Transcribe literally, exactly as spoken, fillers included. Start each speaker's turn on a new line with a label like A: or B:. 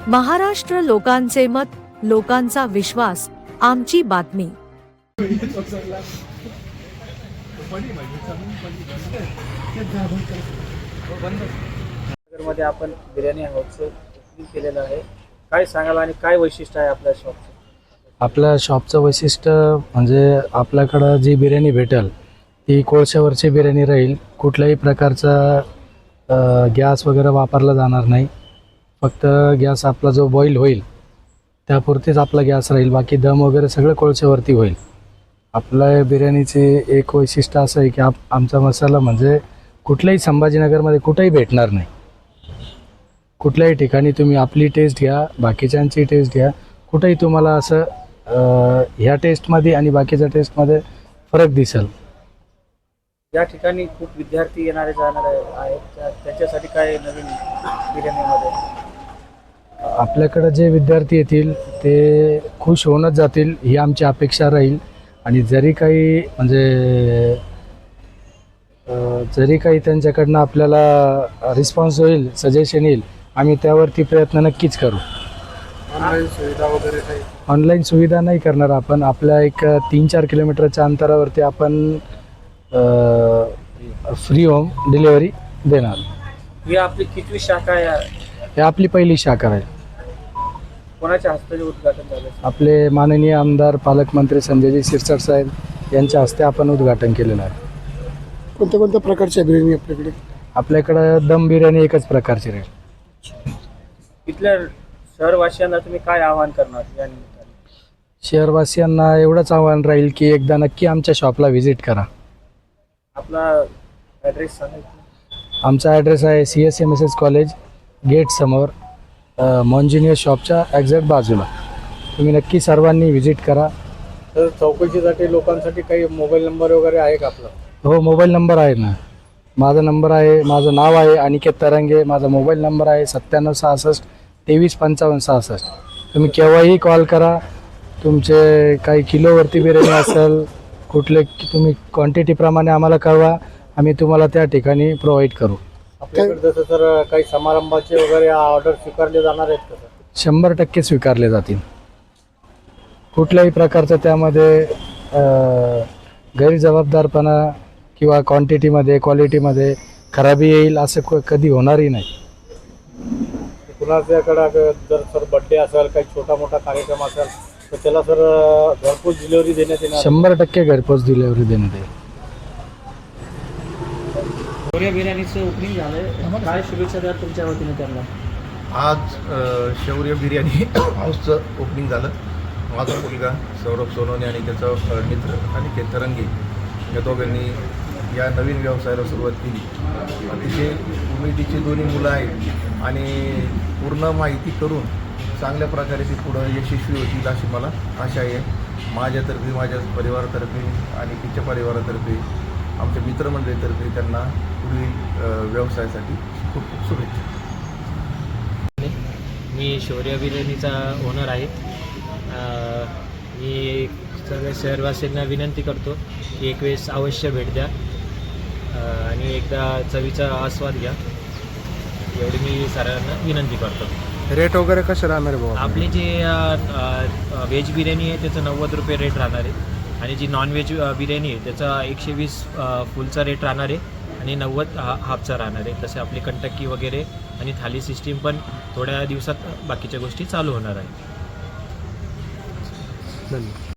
A: महाराष्ट्र लोकांचे मत, लोकांचा विश्वास, आमची बातमी.
B: मध्ये आपण बिर्याणी हाऊसचं ओपनिंग केलेलं आहे. काय सांगाल आणि काय वैशिष्ट्य आहे आपल्या शॉपचं?
C: आपल्या शॉपचं वैशिष्ट्य म्हणजे आपल्याकडं जी बिर्याणी भेटेल ती कोळशावरची बिर्याणी राहील. कुठल्याही प्रकारचा गॅस वगैरे वापरला जाणार नाही. फक्त गॅस आपला जो बॉईल होईल त्यापुरतीच आपला गॅस राहील. बाकी दम वगैरे सगळं कोळशावरती होईल. आपल्या बिर्याणीचे एक वैशिष्ट्य असं आहे की आप आमचा मसाला म्हणजे कुठल्याही संभाजीनगरमध्ये कुठेही भेटणार नाही. कुठल्याही ठिकाणी तुम्ही आपली टेस्ट घ्या, बाकीच्यांची टेस्ट घ्या, कुठेही तुम्हाला असं ह्या टेस्टमध्ये आणि बाकीच्या टेस्टमध्ये फरक दिसेल.
B: या ठिकाणी खूप विद्यार्थी येणारे जाणारे आहेत, त्याच्यासाठी काय नवीन बिर्याणीमध्ये?
C: आपल्याकडं जे विद्यार्थी येतील ते खुश होऊनच जातील ही आमची अपेक्षा राहील. आणि जरी काही म्हणजे जरी काही त्यांच्याकडनं आपल्याला रिस्पॉन्स होईल, सजेशन येईल, आम्ही त्यावरती प्रयत्न नक्कीच करू.
B: ऑनलाईन सुविधा वगैरे काही?
C: ऑनलाईन सुविधा नाही करणार आपण. आपल्या एक तीन चार किलोमीटरच्या अंतरावरती आपण फ्री होम डिलिव्हरी देणार.
B: ही आपली कितवी शाखा आहे?
C: ही आपली पहिली शाखा आहे.
B: कोणाच्या हस्ते उद्घाटन झालं?
C: आपले माननीय आमदार पालकमंत्री संजयजी शिरसाट साहेब यांच्या हस्ते आपण उद्घाटन केलेलं आहे.
D: कोणत्या कोणत्या प्रकारच्या बिर्याणी आपल्याकडे?
C: आपल्याकडं दम बिर्याणी एकच प्रकारची राहील.
B: इथल्या शहरवासियांना तुम्ही काय आवाहन करणार या निमित्ताने?
C: शहरवासियांना एवढंच आव्हान राहील की एकदा नक्की आमच्या शॉपला व्हिजिट करा.
B: आपला ॲड्रेस सांगायचं?
C: आमचा ॲड्रेस आहे C S M S S college gate समोर, मॉन्जिनियर शॉपच्या एक्झॅक्ट बाजूला. तुम्ही नक्की सर्वांनी व्हिजिट करा.
B: तर चौकशीसाठी लोकांसाठी काही मोबाईल नंबर वगैरे आहे का आपला?
C: हो, मोबाईल नंबर आहे ना. माझा नंबर आहे, माझं नाव आहे अनिकेत तरंगे. माझा मोबाईल नंबर आहे सत्त्याण्णव सहासष्ट तेवीस पंचावन्न सहासष्ट. तुम्ही केव्हाही कॉल करा. तुमचे काही किलोवरती बिर्याणी असेल, कुठले तुम्ही क्वांटिटीप्रमाणे आम्हाला कळवा, आम्ही तुम्हाला त्या ठिकाणी प्रोव्हाइड करू.
B: आपल्याकडे जसं तर काही समारंभाचे वगैरे ऑर्डर स्वीकारले जाणार आहेत का?
C: शंभर टक्के स्वीकारले जातील. कुठल्याही प्रकारचं त्यामध्ये गैरजबाबदारपणा किंवा क्वांटिटीमध्ये क्वालिटीमध्ये खराबी येईल असं क कधी होणारही नाही.
B: कुणाच्याकडं जर सर बड्डे असेल, काही छोटा मोठा कार्यक्रम असेल तर त्याला सर घरपोच डिलिव्हरी देण्यात येणार?
C: शंभर टक्के घरपोच डिलिव्हरी देण्यात येईल.
B: शौर्य बिर्याणीचं ओपनिंग झालंय, काय शुभेच्छा द्या तुमच्या वतीने त्यांना?
E: आज शौर्य बिर्याणी हाऊसचं ओपनिंग झालं. माझा मुलगा सौरभ सोनवणे आणि त्याचा मित्र अनिकेत तरंगे या दोघांनी या नवीन व्यवसायाला सुरुवात केली. अतिशय उमेदीची दोन्ही मुलं आहेत आणि पूर्ण माहिती करून चांगल्या प्रकारे ती पुढं यशस्वी होतील अशी मला आशा आहे. माझ्यातर्फे, माझ्या परिवारातर्फे आणि तिच्या परिवारातर्फे, आमच्या मित्रमंडळीतर्फे त्यांना पुढील व्यवसायासाठी खूप खूप शुभेच्छा.
F: मी शौर्य बिर्याणीचा ओनर आहे. मी सगळ्या शहरवासियांना विनंती करतो की एक वेळेस अवश्य भेट द्या आणि एकदा चवीचा आस्वाद घ्या, एवढी मी सर्वांना विनंती करतो.
D: रेट वगैरे कसे राहणार आहे बाबा?
F: आपली जे व्हेज बिर्याणी आहे त्याचं नव्वद रुपये रेट राहणार आहे आणि जी नॉन व्हेज बिर्याणी आहे त्याचा एकशे वीस फुलचा रेट राहणार आहे आणि नव्वद हा हाफचा राहणार आहे. तसे आपली कंटक्की वगैरे आणि थाली सिस्टीम पण थोड्या दिवसात बाकीच्या गोष्टी चालू होणार आहे.
D: धन्यवाद.